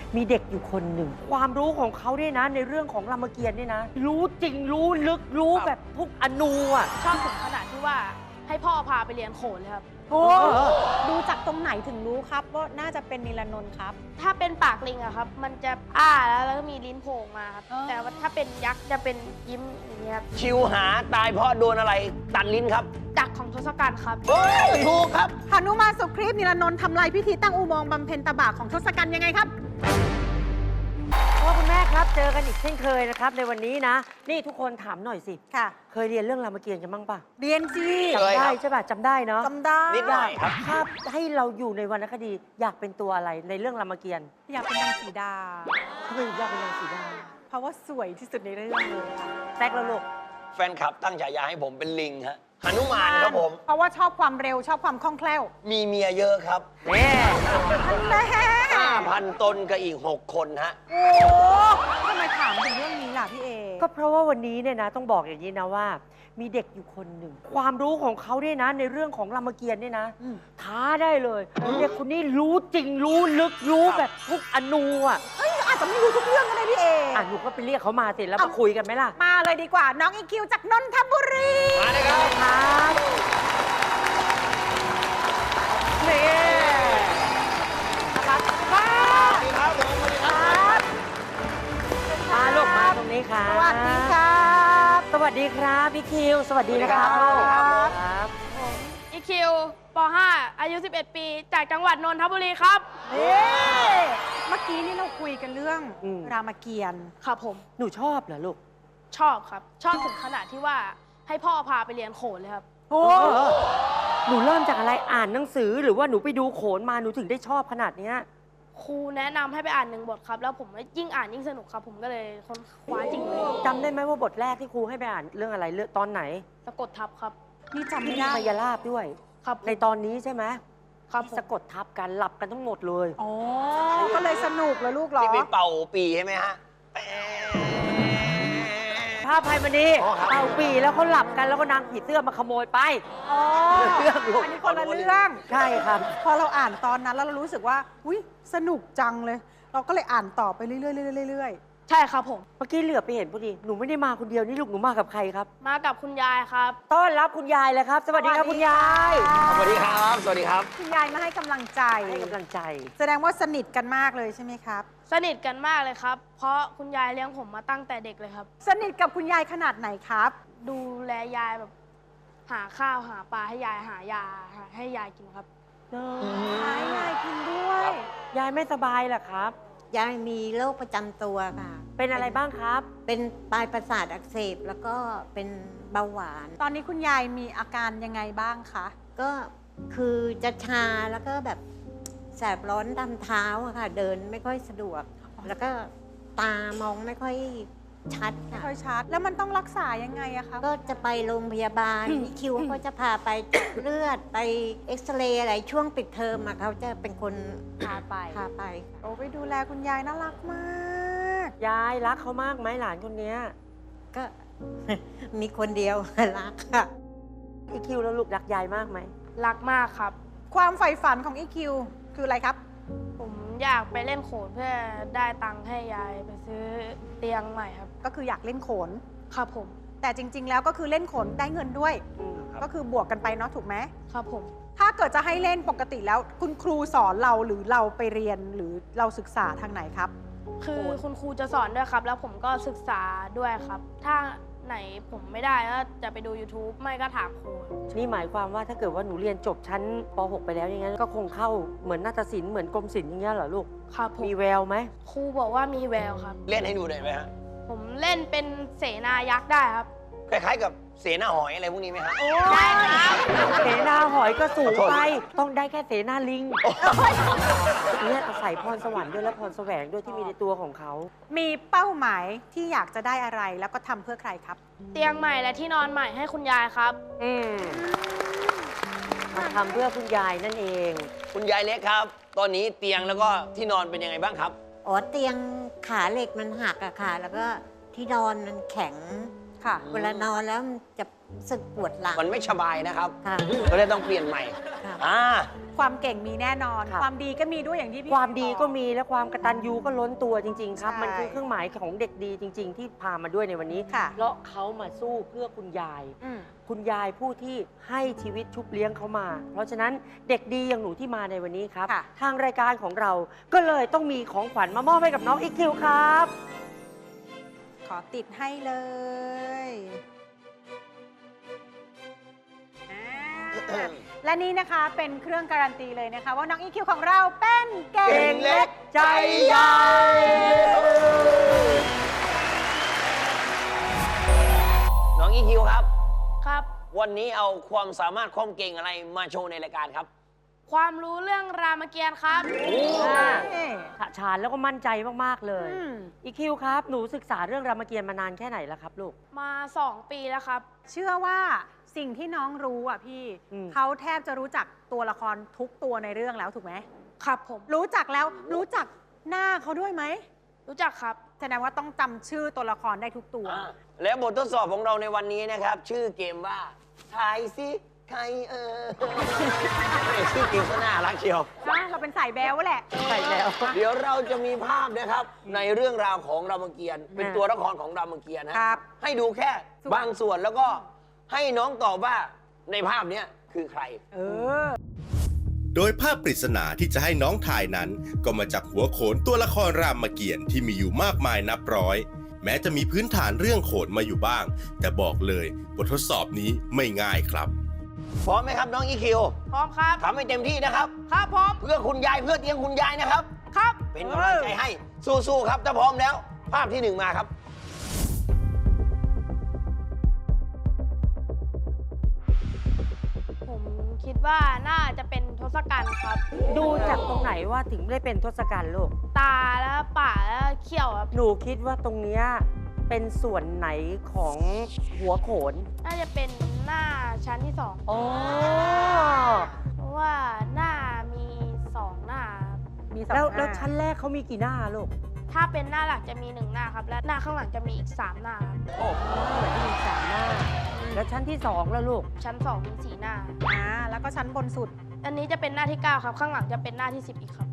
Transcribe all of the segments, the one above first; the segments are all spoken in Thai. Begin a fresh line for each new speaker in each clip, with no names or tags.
มีเด็กอยู่คนหนึ่งความรู้ของเขาเนี่ยนะในเรื่องของรามเกียรติ์เนี่ยนะรู้จริงรู้ลึกรู้แบบทุกอนูอ่ะ
ชอบถึงขนาดที่ว่าให้พ่อพาไปเรียนโขนเลยครับ
โอ้ดูจากตรงไหนถึงรู้ครับว่าน่าจะเป็นนิลนนท์ครับ
ถ้าเป็นปากลิงอะครับ มันจะอ้าแล้วก็มีลิ้นโผล่มาครับ
อ๋อ
แต่ว่าถ้าเป็นยักษ์จะเป็นยิ้มอย่างเงี้ยครับ
ชิวหาตายเพราะโดนอะไรตัดลิ้นครับ
ดักของทศกัณฐ์ครับ
เฮ้ยถูกครับ
หนุมานสุครีพนิลนนท์ทำลายพิธีตั้งอุโมงค์บำเพ็ญตบะของทศกัณฐ์ยังไงครับ
พ่อคุณแม่ครับเจอกันอีกเช่นเคยนะครับในวันนี้นะ นี่ทุกคนถามหน่อยสิ
ค่ะ
เคยเรียนเรื่องรามเกียรติ์กันบ้างปะ
เรียนจี
เคย
จำ
ค
ได้
รับ
ใช่ป่ะจำได้เนาะ
จำได้
นิดหน่อยครับ
ถ้าให้เราอยู่ในวรรณคดีอยากเป็นตัวอะไรในเรื่องรามเกียรติ์
อยากเป็นนางสีดา
ทำไมอยากเป็นนางสีดา
เพราะว่าสวยที่สุดในเรื่องเลยค่ะ
แตกแล้วลูก
แฟนคลับตั้งฉายาให้ผมเป็นลิงฮะหนุมานครับผม
เพราะว่าชอบความเร็วชอบความคล่องแคล่ว
มีเมียเยอะครับ
แม่
แม่
5,000 ตนกับอีก 6 คนฮะ
โอ้ทำไมถามถึงเรื่องนี้ล่ะพี่เอ
ก็เพราะว่าวันนี้เนี่ยนะต้องบอกอย่างนี้นะว่า มีเด็กอยู่คนหนึ่งความรู้ของเขาเนี่ยนะในเรื่องของรามเกียรติ์เนี่ยนะ ท้าได้เลยเด็กคนนี้รู้จริงรู้ลึกรู้แบบทุกอนูอ่ะ
เอ้ยอาจจะไม่รู้ทุกเรื่องก็ได้พี่เอ
อ่ะหนูก็ไปเรียกเขามาสิแล้วมาคุยกันไหมล่ะ
มาเลยดีกว่า น้องอีคิวจากนนทบุรี
มาเลยครับ
ครับนี่นะครับมา
สวัสดีครับผมสวัสดีครับ
มาลูกมาตรงนี้ครับ
สวัสดีครับ
สวัสดีครับพี่คิว สวัสดีนะครับ
สวัสดีครับ
ลูกครับ
อีคิวป .5 อายุ 11 ปี จากจังหวัดนนทบุรีครับ
เอ๊ะเมื่อกี้นี่เราคุยกันเรื่องรามเกียรติ์
ครับผม
หนูชอบเหรอลูก
ชอบครับ ชอบถึงขนาดที่ว่าให้พ่อพาไปเรียนโขนเลยครับ
โอ้
หนูเริ่มจากอะไรอ่านหนังสือหรือว่าหนูไปดูโขนมาหนูถึงได้ชอบขนาดเนี้ย
ครูแนะนำให้ไปอ่าน1 บทครับ แล้วผมยิ่งอ่านยิ่งสนุกครับ ผมก็เลยค้นคว้าจริงเลย
จำได้ไหมว่าบทแรกที่ครูให้ไปอ่านเรื่องอะไรเรื่องตอนไหน
สะกดทับครับ
นี่จำ
ที่
ไม่
มี
ได้
พยาลาบด้วย
ครับ
ในตอนนี้ใช่ไหม
ครับ
ที่
ผม
สะกดทับกันหลับกันทั้งหมดเลย
อ๋อ ก็เลยสนุกเลยลูกเหรอ
ที่ไปเป่าปีใช่ไหมฮะ
ภาพไพมณี
อ๋อครับ
เอาปีแล้วเขาหลับกันแล้วก็นางผีเสื้อมาขโมยไป
อ๋อ
เรื่องลูก
อันนี้คนละเรื่อง
ใช่ครับ
พอเราอ่านตอนนั้นแล้วเรารู้สึกว่าอุ้ยสนุกจังเลย เราก็เลยอ่านต่อไปเรื่อยๆเรื่อย
ใช่ครับผม
เมื่อกี้เหลือบไปเห็นพอดีหนูไม่ได้มาคนเดียวนี่ลูกหนูมากับใครครับ
มากับคุณยายครับ
ต้อนรับคุณยายเลยครับ สวัสดีครับคุณยาย
สวัสดีครับ สวัสดีครับ
คุณยายมาให้กำลังใจ
ให้กำลังใจ
แสดงว่าสนิทกันมากเลยใช่ไหมครับ
สนิทกันมากเลยครับ เพราะคุณยายเลี้ยงผมมาตั้งแต่เด็กเลยครับ
สนิทกับคุณยายขนาดไหนครับ
ดูแลยายแบบหาข้าวหาปลาให้ยายหายาให้ยายกินครับ
ให้ยายกินด้วย
ยายไม่สบายเหรอครับ
ยายมีโรคประจำตัวค่ะ
เป็นอะไรบ้างครับ
เป็นปลายประสาทอักเสบแล้วก็เป็นเบาหวาน
ตอนนี้คุณยายมีอาการยังไงบ้างคะ
ก็คือจะชาแล้วก็แบบแสบร้อนตามเท้าอะค่ะ เดินไม่ค่อยสะดวก แล้วก็ตามองไม่ค่อยชัด
ไม่
ค่ะ
ค่อยชัด แล้วมันต้องรักษายังไงอะคะ
ก็จะไปโรงพยาบาลพี่คิวก็จะพาไปเจาะเลือดไปเอ็กซเรย์อะไรช่วงปิดเทอมอะเขาจะเป็นคน
พาไป
พาไป
โอ้ไปดูแลคุณยายน่ารักมาก
ยายรักเขามากไหมหลานคนเนี้ย
ก็ มีคนเดียว รักค่ะ
อีคิวแล้วลูกรักยายมากไหม
รักมากครับ
ความใฝ่ฝันของอีคิวคืออะไรครับ
ผมอยากไปเล่นโขนเพื่อได้ตังค์ให้ยายไปซื้อเตียงใหม่ครับ
ก็คืออยากเล่นโขน
ครับผม
แต่จริง ๆ แล้วก็คือเล่นโขนได้เงินด้วย
ครับ
ก็คือบวกกันไปเนาะถูกไหม
ครับผม
ถ้าเกิดจะให้เล่นปกติแล้วคุณครูสอนเราหรือเราไปเรียนหรือเราศึกษาทางไหนครับ
คือคุณครูจะสอนด้วยครับ แล้วผมก็ศึกษาด้วยครับ ถ้าไหนผมไม่ได้ก็จะไปดู YouTube ไม่ก็ถามครูครับ
นี่หมายความว่าถ้าเกิดว่าหนูเรียนจบชั้นป .6 ไปแล้วอย่างนั้นก็คงเข้าเหมือนนาฏศิลป์เหมือนกรมศิลป์อย่างเงี้ยเหรอลูก
ครับผม
มีแววไหม
ครูบอกว่ามีแววครับ
เล่นให้ดูได้ไหมฮะ
ผมเล่นเป็นเสนายักษ์ได้ครับ
คล้ายๆกับเสนาหอยอะไรพวกนี้ไหมฮะ
ได้ครับ
เสนาหอยก็สูงไป ต้องได้แค่เสนาลิงเนี่ยอาศัยพรสวรรค์ด้วยและพรแสวงด้วยที่มีในตัวของเขา
มีเป้าหมายที่อยากจะได้อะไรแล้วก็ทำเพื่อใครครับ
เตียงใหม่และที่นอนใหม่ให้คุณยายครับ
มาทำเพื่อคุณยายนั่นเอง
คุณยายเล็กครับ ตอนนี้เตียงแล้วก็ที่นอนเป็นยังไงบ้างครับ
อ๋อเตียงขาเหล็กมันหักอะค่ะ แล้วก็ที่นอนมันแข็ง
ค่ะ
เวลานอนแล้วมันจะรู้สึกปวดหลัง
มันไม่สบายนะครับ
ค่ะ
ก็เลยต้องเปลี่ยนใหม่
ค่ะ
ความเก่งมีแน่นอน
ครับ
ความดีก็มีด้วยอย่างที่พี่
ความดีก็
บอก
มีและความกตัญญูก็ล้นตัวจริง ๆ ครับ
ใช่
มันคือเครื่องหมายของเด็กดีจริง ๆ ที่พามาด้วยในวันนี้
ค่ะ
เพราะเขามาสู้เพื่อคุณยาย
อืม
คุณยายผู้ที่ให้ชีวิตชุบเลี้ยงเขามา เพราะฉะนั้นเด็กดีอย่างหนูที่มาในวันนี้ครับ
ค่ะ
ทางรายการของเราก็เลยต้องมีของขวัญมามอบให้กับน้องอีคิวครับ
ขอติดให้เลยอ่าและนี่นะคะเป็นเครื่องการันตีเลยนะคะ ว่าน้องอีคิวของเราเป็นเก่
เก่
ง
งเล็ก
ใจใหญ่
น้องอีคิวครับ
ครับ
วันนี้เอาความสามารถความเก่งอะไรมาโชว์ในรายการครับ
ความรู้เรื่องรามเกียรติ์ครับ
อ่า
เอ้ย
ฉะฉานแล้วก็มั่นใจมาก ๆ เลย
อืม
อีคิวครับ หนูศึกษาเรื่องรามเกียรติ์มานานแค่ไหนแล้วครับลูก
มา 2 ปีแล้วครับ
เชื่อว่าสิ่งที่น้องรู้อ่ะพี่
อืม
เขาแทบจะรู้จักตัวละครทุกตัวในเรื่องแล้วถูกไหม
ครับผม
รู้จักแล้วรู้จักหน้าเขาด้วยไหม
รู้จักครับ
แสดงว่าต้องจำชื่อตัวละครได้ทุกตัว
และบททดสอบของเราในวันนี้นะครับ ชื่อเกมว่าทายซิใครชื่อเกมก็น่ารักเชียว
เราเป็นสายแบวแหละ
ใช่แล้ว
เดี๋ยวเราจะมีภาพนะครับ ในเรื่องราวของรามเกียรติ์เป็นตัวละครของรามเกียรติ์นะครับ ให้ดูแค่บางส่วนแล้วก็ให้น้องตอบว่าในภาพเนี้ยคือใคร
เออ
โดยภาพปริศนาที่จะให้น้องถ่ายนั้น ก็มาจากหัวโขนตัวละครรามเกียรติ์ที่มีอยู่มากมายนับร้อย แม้จะมีพื้นฐานเรื่องโขนมาอยู่บ้าง แต่บอกเลยบททดสอบนี้ไม่ง่ายครับ
พร้อมไหมครับน้องอีคิว
พร้อมครับ
ทำให้เต็มที่นะครับ
ครับพร้อม
เพื่อคุณยายเพื่อเตียงคุณยายนะครับ
ครับ
เป็นกำลังใจให้สู้ๆครับถ้าพร้อมแล้ว ภาพที่หนึ่งมาครับ
ผมคิดว่าน่าจะเป็นทศกัณฐ์ครับ
ดูจากตรงไหนว่าถึงได้เป็นทศกัณฐ์ลูก
ตาแล้วปากแล้วเขี้ยวครับ
หนูคิดว่าตรงเนี้ยเป็นส่วนไหนของหัวโขน
น่าจะเป็นหน้าชั้นที่ 2
อ๋อ
เพราะว่าหน้ามี 2 หน้าครับ
มีสอง
แล้ว
หน้า
ชั้นแรกเขามีกี่หน้าลูก
ถ้าเป็นหน้าหลักจะมี 1 หน้าครับ และหน้าข้างหลังจะมีอีก 3 หน้าครับ
โอ้เหมือนจะมีสามหน้า แล้วชั้นที่สองแล้วลูก
ชั้น 2 มี 4 หน้า
แล้วก็ชั้นบนสุด
อันนี้จะเป็นหน้าที่ 9 ครับ ข้างหลังจะเป็นหน้าที่ 10 อีกครับ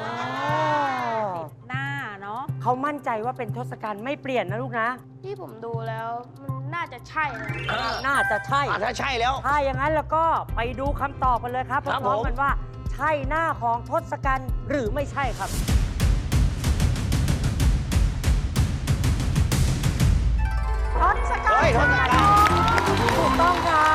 หน้าเนาะ
เขามั่นใจว่าเป็นทศกัณฐ์ไม่เปลี่ยนนะลูกนะ
ที่ผมดูแล้วมันน่าจะใช่นะ
น่าจะใช่
ถ้าใช่แล้ว
ถ้าอย่างนั้นแล้วก็ไปดูคำตอบกันเลยครับ
ครับ
พร้อม
ผม
ๆกันว่า ใช่หน้าของทศกัณฐ์หรือไม่ใช่ครับ
ทศกัณ
เฮ้ย
ฐ์
ทศกัณฐ์
ถูกต้องครับ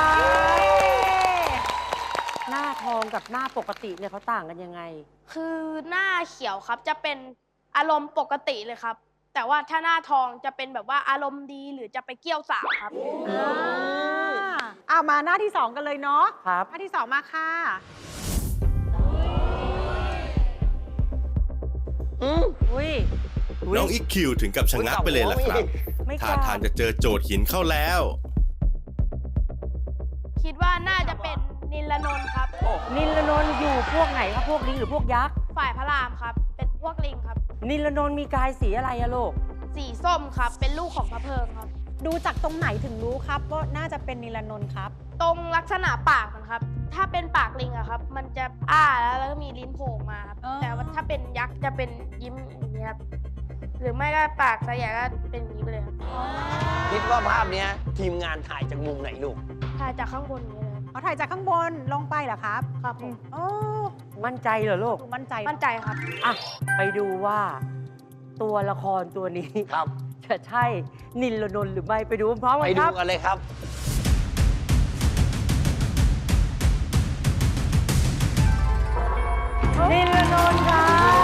หน้าทองกับหน้าปกติเนี่ยเขาต่างกันยังไง
คือหน้าเขียวครับจะเป็นอารมณ์ปกติเลยครับ แต่ว่าถ้าหน้าทองจะเป็นแบบว่าอารมณ์ดีหรือจะไปเกี่ยวสาวครับ
มาหน้าที่ 2 กันเลยเนาะ
ครับ
หน้าที่ 2 มาค่ะ
อุ้ย
น้องอีคิวถึงกับชะงักไปเลยล่ะครับ
ไม่ก
ท่า
ล้า
ทางจะเจอโจทย์หินเข้าแล้ว
คิดว่าน่าจะเป็นนิลนนท์ครับ
นิลนนท์อยู่พวกไหนครับ พวกลิงหรือพวกยักษ์
ฝ่ายพระรามครับ เป็นพวกลิงครับ
นิลนนท์มีกายสีอะไรอะลูก
สีส้มครับ เป็นลูกของพระเพิงครับ
ดูจากตรงไหนถึงรู้ครับว่าน่าจะเป็นนิลนนท์ครับ
ตรงลักษณะปากมันครับ ถ้าเป็นปากลิงอะครับ มันจะแล้วก็มีลิ้นโผล่มาครับ
อ๋อ
แต่ว่าถ้าเป็นยักษ์จะเป็นยิ้มอย่างนี้ยครับ หรือไม่ก็ปากสยายก็เป็นอย่างนี้ไปเลยครับ
คิดว่าภาพเนี้ยทีมงานถ่ายจากมุมไหนลูก
ถ่ายจากข้างบนอย่างนี้เลยครับ
เอาถ่ายจากข้างบนลงไปเหรอครับ
ครับผม
โอ้
มั่นใจเหรอลูก
ดูมั่นใจ
มั่นใจครับ
อ่ะ ไปดูว่าตัวละครตัวนี้
ครับ
จะใช่นิลนนท์หรือไม่ไปดูพร้อมๆ
ไป
กันค
ดู
รับ
กันเลยครับ
นิลนนท์ครับ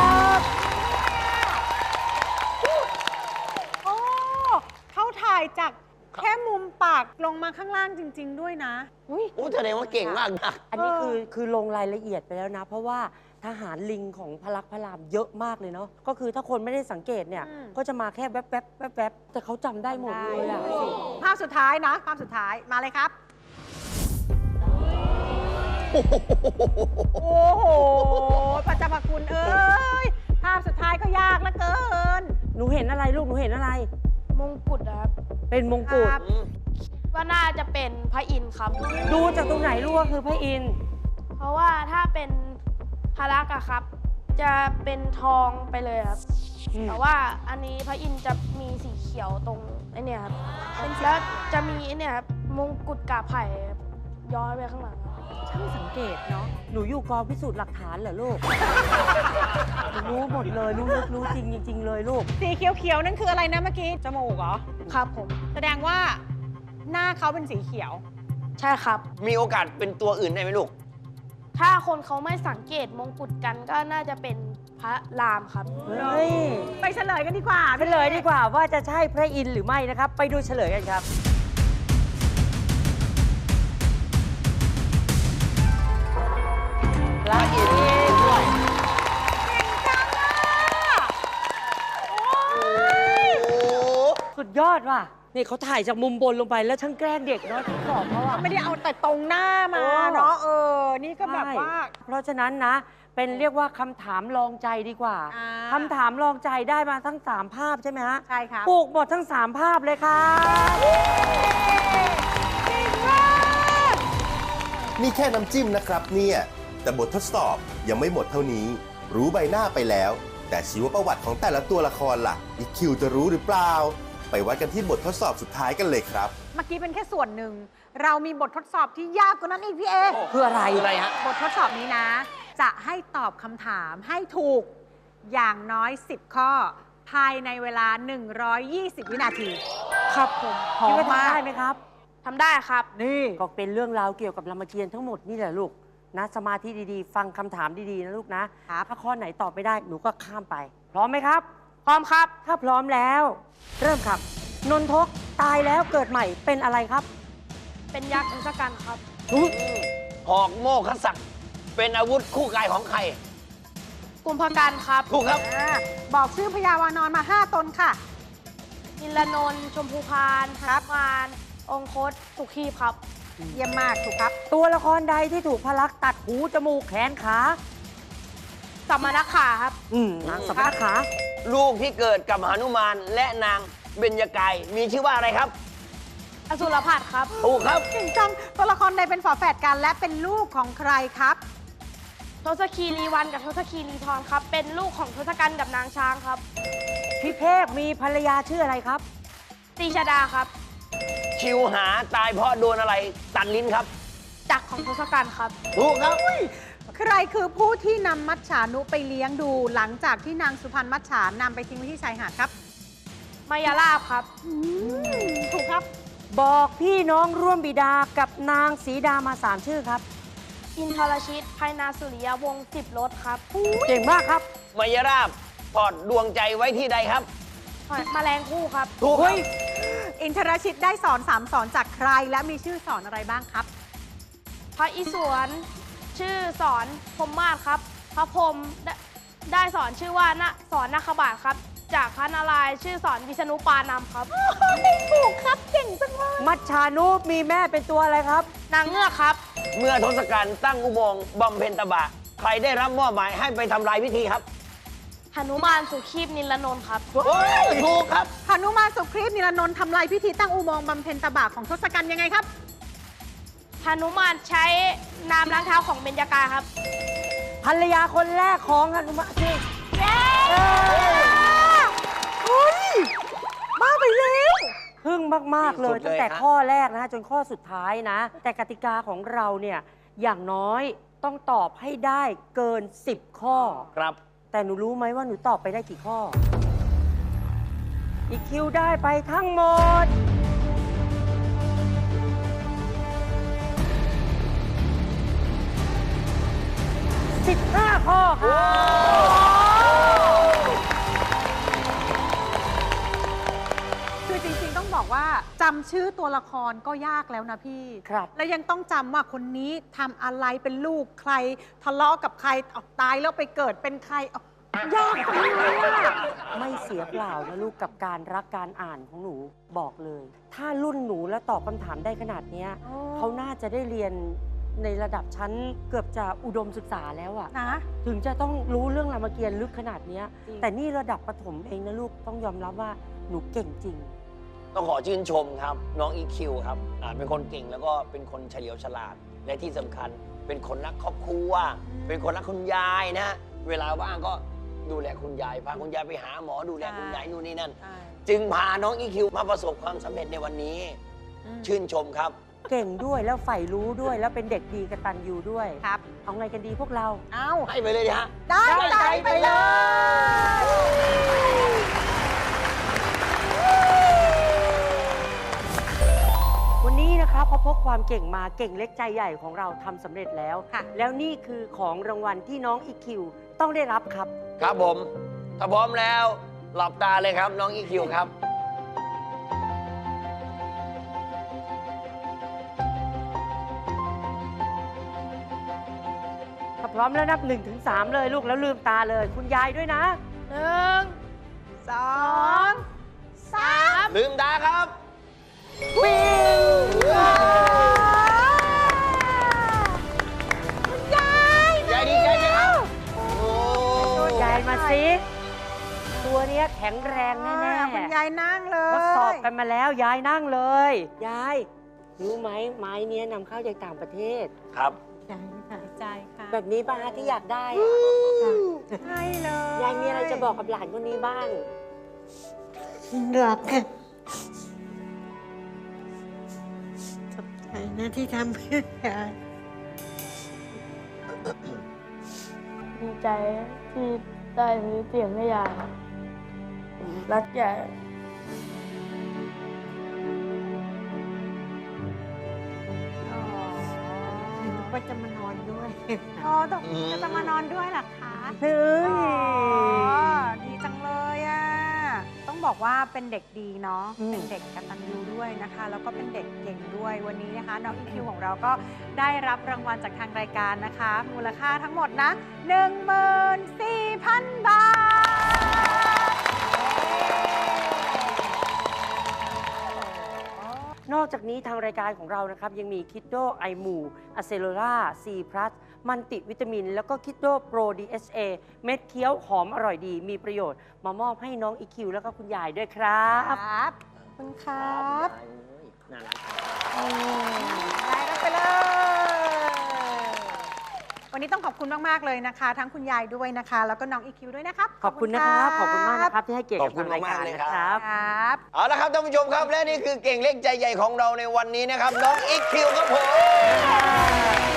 โอ้เขาถ่ายจากแค่มุมปากลงมาข้างล่างจริง ๆ ด้วยนะ
โอ้แสดงว่าเก่งมากนะ
อันนี้คือลงรายละเอียดไปแล้วนะ เพราะว่าทหารลิงของพระลักษมณ์พระรามเยอะมากเลยเนาะก็คือถ้าคนไม่ได้สังเกตเนี่ย
อืม
ก็จะมาแค่แวบๆแวบๆแต่เขาจำได้หมดเลยอะ
ภาพสุดท้ายนะ ภาพสุดท้ายมาเลยครับ โอ้โหพระเจ้าพระคุณเอ้ย ภาพสุดท้ายก็ยากเหลือเกิน
หนูเห็นอะไรลูกหนูเห็นอะไร
มงกุฎนะครับ
เป็นมงกุฎ
ครับ
ว่าน่าจะเป็นพระอินทร์ครับ
ดูจากตรงไหนรู้ว่าคือพระอินทร์
เพราะว่าถ้าเป็นพระลักษณ์อะครับ จะเป็นทองไปเลยครับ แต่ว่าอันนี้พระอินทร์จะมีสีเขียวตรงไอ้เนี่ยครับแล้วจะมีไอ้เนี่ยครับมงกุฎกาบไผ่ครับย้อยไปข้างหลังครับ
ช่างสังเกตเนาะ
หนูอยู่กองพิสูจน์หลักฐานเหรอลูก หนูรู้หมดเลย รู้ลึกรู้จริงจริง ๆ เลยลูก
สีเขียวๆนั่นคืออะไรนะเมื่อกี้ จมูกเหรอ
ครับผม
แสดงว่าหน้าเขาเป็นสีเขียว
ใช่ครับ
มีโอกาสเป็นตัวอื่นได้ไหมลูก
ถ้าคนเขาไม่สังเกตมงกุฎกันก็น่าจะเป็นพระรามครับ
เฮ้ย
ไปเฉลยกันดีกว่า
เฉลยดีกว่าว่าจะใช่พระอินทร์หรือไม่นะครับ ไปดูเฉลยกันครับ พระอินทร์ด้วย
โอ้
สุดยอดว่ะ นี่เขาถ่ายจากมุมบนลงไปแล้วช่างแกล้งเด็กเนาะที่สอบเขาอะ
ไม่ได้เอาแต่ตรงหน้ามาเนาะ นี่ก็แบบว่า
ใช่เพราะฉะนั้นนะ เป็นเรียกว่าคำถามลองใจดีกว่า
อ่า
คำถามลองใจได้มาทั้ง 3 ภาพใช่ไหมฮะ
ใช่ครับ
ปลูกหมดทั้ง 3 ภาพเลยครับ
นี่แค่น้ำจิ้มนะครับเนี่ย แต่บททดสอบยังไม่หมดเท่านี้ รู้ใบหน้าไปแล้ว แต่ชีวประวัติของแต่ละตัวละครล่ะ อีกคิวจะรู้หรือเปล่า ไปวัดกันที่บททดสอบสุดท้ายกันเลยครับ
เมื่อกี้เป็นแค่ส่วนหนึ่ง เรามีบททดสอบที่ยากกว่านั้นอีกพี่เอ
คืออะไร
คืออะไรฮะ
บททดสอบนี้นะ จะให้ตอบคำถามให้ถูกอย่างน้อย 10 ข้อ ภายในเวลา 120 วินาที
ครับผม
พร้อ
คิด
ม
ว่าทำ
มาก
ได้ไหมครับ
ทำได้ครับ
นี่
ก็เป็นเรื่องราวเกี่ยวกับรามเกียรติ์ทั้งหมดนี่แหละลูกนะ สมาธิดีๆ ฟังคำถามดีๆนะลูกนะ ถ้าข้อไหนตอบไม่ได้หนูก็ข้ามไป พร้อมไหมครับ
พร้อมครับ
ถ้าพร้อมแล้ว เริ่มครับ นนทกตายแล้วเกิดใหม่เป็นอะไรครับ
เป็นยักษ์ทศกัณฐ์ครับ
อุ๊ย
หอกโมฆศักดิ์เป็นอาวุธคู่กายของใคร
กุมภกันครับ
ถูกครับ
บอกชื่อพญาวานอนมา 5 ตนค่ะ
นิลนนท์ชมพูพานครับมานองคตสุขีพครับ
เยี่ยมมากถูกครับ
ตัวละครใดที่ถูกพระลักษมณ์ตัดหูจมูกแขนขา
สัมมานักขาครับ
นางสมณขา
ลูกที่เกิดกับหนุมานและนางเบญจกายมีชื่อว่าอะไรครับ
อสุรพัฒครับ
ถูกครับ
เก่งจัง ตัวละครใดเป็นฝาแฝดกันและเป็นลูกของใครครับ
ทศคีรีวันกับทศคีรีทรครับ เป็นลูกของทศกัณฐ์กับนางช้างครับ
พี่เทพมีภรรยาชื่ออะไรครับ
ตีชดาครับ
ชิวหาตายเพราะโดนอะไรตัดลิ้นครับ
จักรของทศกัณฐ์ครับ
ถูกครับ
ใครคือผู้ที่นำมัจฉานุไปเลี้ยงดูหลังจากที่นางสุพรรณมัจฉานำไปทิ้งไว้ที่ชายหาดครับ
มายาลาภครับ
ถูกครับ
บอกพี่น้องร่วมบิดากับนางสีดามา 3 ชื่อครับ
อินทรชิตไพนาสุริยวงศ์10 รถครับ
เก่งมากครับ
มายราบถอดดวงใจไว้ที่ใดครับ
แมลงคู่ครับ
ถูกครับ
อินทรชิตได้สอน3สอนจากใครและมีชื่อสอนอะไรบ้างครับ
พระอิศวรชื่อสอนพรหมมาศครับ พระพรหมได้สอนชื่อว่าสอนนาคบาทครับ จากพระนารายณ์ชื่อสอนวิษณุปานามครับ
ถูกครับเก่งจังเลย
มัจฉานุมีแม่เป็นตัวอะไรครับ
นางเงือกครับ
เมื่อทศกัณฐ์ตั้งอุโมงค์บำเพ็ญตบะ ใครได้รับมอบหมายให้ไปทำลายพิธีครับ
หนุมานสุขีพนิลนนท์ครับ
ถูกครับ
หนุมานสุครีพนิรนนท์ทำลายพิธีตั้งอุโมงค์บำเพ็ญตบะของทศกัณฐ์ยังไงครับ
หนุมานใช้น้ำล้างเท้าของเบญจกายครับ
ภรรยาคนแรกของหนุมานชื่อ
เฮ้ยบ้าไปแล้ว
พึ่งมาก ๆ เลย
ที่สุดเลย
ตั้งแต่
ฮะ
ข้อแรกนะ จนข้อสุดท้ายนะ แต่กติกาของเราเนี่ย อย่างน้อยต้องตอบให้ได้เกิน 10 ข้อ
ครับ
แต่หนูรู้ไหมว่าหนูตอบไปได้กี่ข้อ อีกคิวได้ไปทั้งหมด 15 ข้อครับ
คือจริงๆต้องบอกว่าจำชื่อตัวละครก็ยากแล้วนะพี่
ครับ
แล้วยังต้องจำว่าคนนี้ทำอะไรเป็นลูกใคร ทะเลาะกับใครเอาตายแล้วไปเกิดเป็นใครเอายากจังเลยอะ
ไม่เสียเปล่านะลูกกับการรักการอ่านของหนูบอกเลย ถ้ารุ่นหนูแล้วตอบคำถามได้ขนาดเนี้ยเขาน่าจะได้เรียนในระดับชั้นเกือบจะอุดมศึกษาแล้วอะ
นะ
ถึงจะต้องรู้เรื่องรามเกียรติ์ลึกขนาดเนี้ย
จริง
แต่นี่ระดับประถมเองนะลูกต้องยอมรับว่าหนูเก่งจริง
ต้องขอชื่นชมครับ น้องอีคิวครับเป็นคนเก่งแล้วก็เป็นคนเฉลียวฉลาด และที่สำคัญเป็นคนรักครอบครัว เป็นคนรักคุณยายนะ เวลาว่างก็ดูแลคุณยายพาคุณยายไปหาหมอดูแลคุณยายนู่นนี่นั่น จึงพาน้องอีคิวมาประสบความสำเร็จในวันนี้ ชื่นชมครับ
เก่งด้วยแล้วใฝ่รู้ด้วยแล้วเป็นเด็กดีกตัญญูด้วย
ครับ
เอาไงกันดีพวกเรา
เอา
ให้ไปเลยดิฮะ
ได้ใจไปเลย
วันนี้นะครับพอพกความเก่งมาเก่งเล็กใจใหญ่ของเราทำสำเร็จแล้ว
ค่ะ
แล้วนี่คือของรางวัลที่น้องอีคิวต้องได้รับครับ
ครับผม ถ้าพร้อมแล้ว หลับตาเลยครับน้องอีคิวครับ
ถ้าพร้อมแล้วนับ1 ถึง 3เลยลูกแล้วลืมตาเลยคุณยายด้วยนะ
1
สองสาม
ลืมตาครับ
วิ่ง
คุณยาย
ยายดีใจไหมครับ โอ้
ยายมาสิตัวเนี้ยแข็งแรงแน่
คุณยายนั่งเล
ๆ
ย
ทดสอบกันมาแล้วยายนั่งเลย ยายรู้ไหมไม้เนี้ยนำเข้าจากต่างประเทศ
ครับ
ใจค่ะ
ใจค่ะ
แบบนี้ป้าที่อยากได้อะ
ใช่เลย
ยายมีอะไรจะบอกกับหลานคนนี้บ้าง
รักค่ะขอบใจนะที่ทำเพื่อยาย
ดีใจที่ได้ซื้อเสียงให้ยายผมรักยาย
นึกว่าจะมานอนด้วย
อ๋อต้องจะมานอนด้วยเหรอคะ
เฮ้ย
อ๋อดีจังเลยอ่ะ ต้องบอกว่าเป็นเด็กดีเนาะ เป็นเด็กกตัญญูด้วยนะคะ แล้วก็เป็นเด็กเก่งด้วย วันนี้นะคะ น้องอีคิวของเราก็ได้รับรางวัลจากทางรายการนะคะ มูลค่าทั้งหมดนะ 14,000 บาท
นอกจากนี้ทางรายการของเรานะครับยังมีคิดโดไอมูอะเซโลล่าซีพลัสมันติวิตามิน แล้วก็คิดโดโปร DHA เม็ดเคี้ยวหอมอร่อยดี มีประโยชน์มามอบให้น้องอีคิวแล้วก็คุณยายด้วยครับ
ครับขอบคุณครับ
น่ารัก
ได้รับไปเลย วันนี้ต้องขอบคุณมาก ๆ เลยนะคะ ทั้งคุณยายด้วยนะคะ แล้วก็น้องอีคิวด้วยนะครับ
ขอบคุณนะครับ ขอบคุณมากนะครับที่ให้เกียรติกับทางรายการนะครับ
ครับ
เอาละครับท่านผู้ชมครับ และนี่คือเก่งเล็กใจใหญ่ของเราในวันนี้นะครับ น้องอีคิวครับผม